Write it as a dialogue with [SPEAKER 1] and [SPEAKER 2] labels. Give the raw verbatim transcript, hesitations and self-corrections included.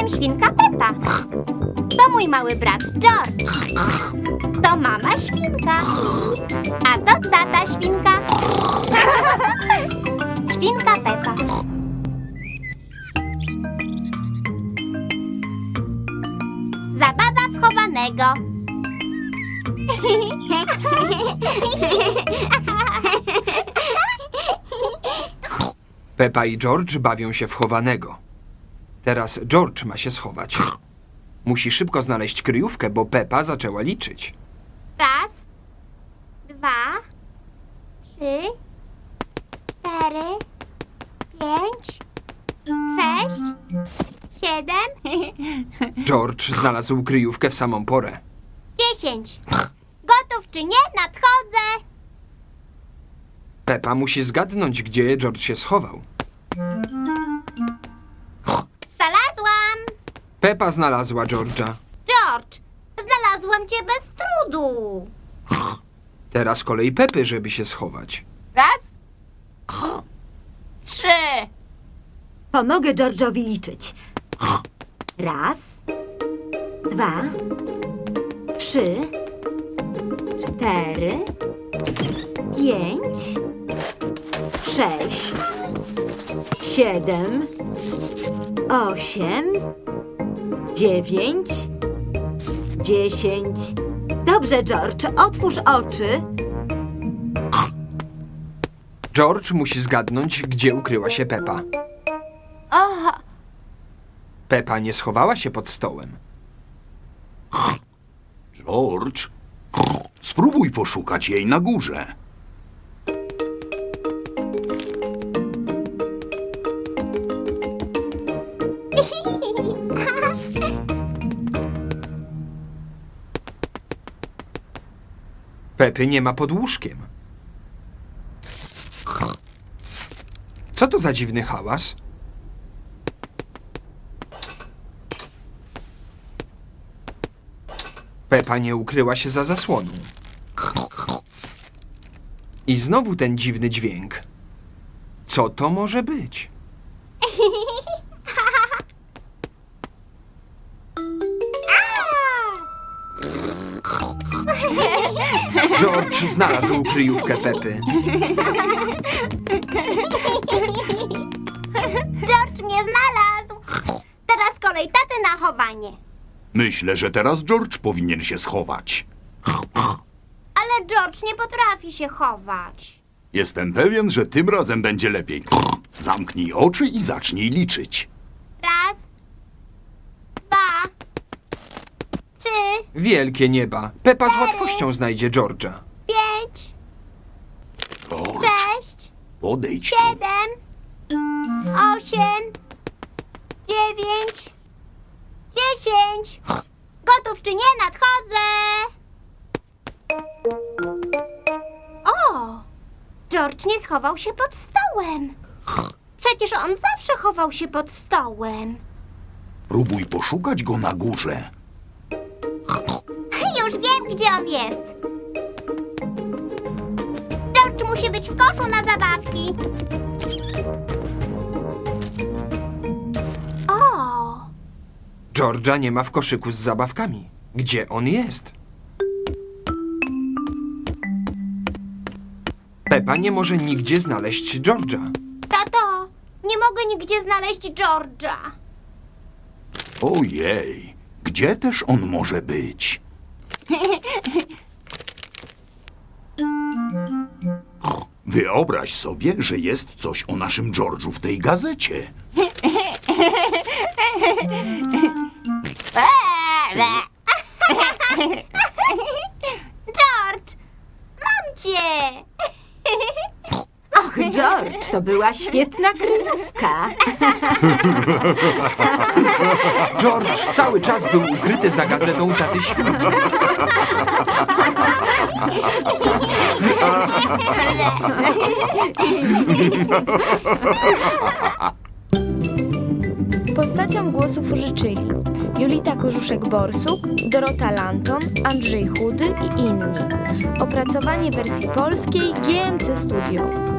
[SPEAKER 1] Jestem świnka Pepa. To mój mały brat George. To mama świnka. A to tata świnka. Świnka Pepa. Zabawa w chowanego.
[SPEAKER 2] Pepa i George bawią się w chowanego. Teraz George ma się schować. Musi szybko znaleźć kryjówkę, bo Pepa zaczęła liczyć.
[SPEAKER 1] Raz, dwa, trzy, cztery, pięć, sześć, siedem,
[SPEAKER 2] George znalazł kryjówkę w samą porę.
[SPEAKER 1] dziesięć. Gotów czy nie? Nadchodzę.
[SPEAKER 2] Pepa musi zgadnąć, gdzie George się schował.
[SPEAKER 1] Znalazłam.
[SPEAKER 2] Pepa znalazła George'a.
[SPEAKER 1] George, znalazłam cię bez trudu.
[SPEAKER 2] Teraz kolej Pepy, żeby się schować.
[SPEAKER 3] Raz, trzy.
[SPEAKER 4] Pomogę George'owi liczyć. Raz, dwa, trzy, cztery, pięć, sześć, siedem, osiem, dziewięć, dziesięć. Dobrze, George, otwórz oczy.
[SPEAKER 2] George musi zgadnąć, gdzie ukryła się Pepa.
[SPEAKER 3] Aha,
[SPEAKER 2] Pepa nie schowała się pod stołem.
[SPEAKER 5] George, spróbuj poszukać jej na górze.
[SPEAKER 2] Pepy nie ma pod łóżkiem. Co to za dziwny hałas? Pepa nie ukryła się za zasłoną. I znowu ten dziwny dźwięk. Co to może być? George znalazł kryjówkę Pepy.
[SPEAKER 1] George mnie znalazł. Teraz kolej taty na chowanie.
[SPEAKER 5] Myślę, że teraz George powinien się schować.
[SPEAKER 1] Ale George nie potrafi się chować.
[SPEAKER 5] Jestem pewien, że tym razem będzie lepiej. Zamknij oczy i zacznij liczyć.
[SPEAKER 1] Raz, dwa, trzy,
[SPEAKER 2] Wielkie nieba. Pepa z łatwością znajdzie George'a.
[SPEAKER 1] pięć,
[SPEAKER 5] George,
[SPEAKER 1] sześć,
[SPEAKER 5] podejdź tu.
[SPEAKER 1] siedem, osiem, dziewięć, dziesięć. Gotów czy nie? Nadchodzę. O! George nie schował się pod stołem. Przecież on zawsze chował się pod stołem.
[SPEAKER 5] Próbuj poszukać go na górze.
[SPEAKER 1] Już wiem, gdzie on jest. George musi być w koszu na zabawki. O!
[SPEAKER 2] George'a nie ma w koszyku z zabawkami. Gdzie on jest? Pepa nie może nigdzie znaleźć George'a.
[SPEAKER 1] Tato, nie mogę nigdzie znaleźć George'a.
[SPEAKER 5] Ojej, gdzie też on może być? Wyobraź sobie, że jest coś o naszym George'u w tej gazecie.
[SPEAKER 1] George, mam cię.
[SPEAKER 4] Och, George, to była świetna kryjówka.
[SPEAKER 2] George cały czas był ukryty za gazetą taty świnki.
[SPEAKER 6] Postaciom głosów użyczyli Julita Korzuszek-Borsuk, Dorota Lanton, Andrzej Chudy i inni. Opracowanie wersji polskiej G M C Studio.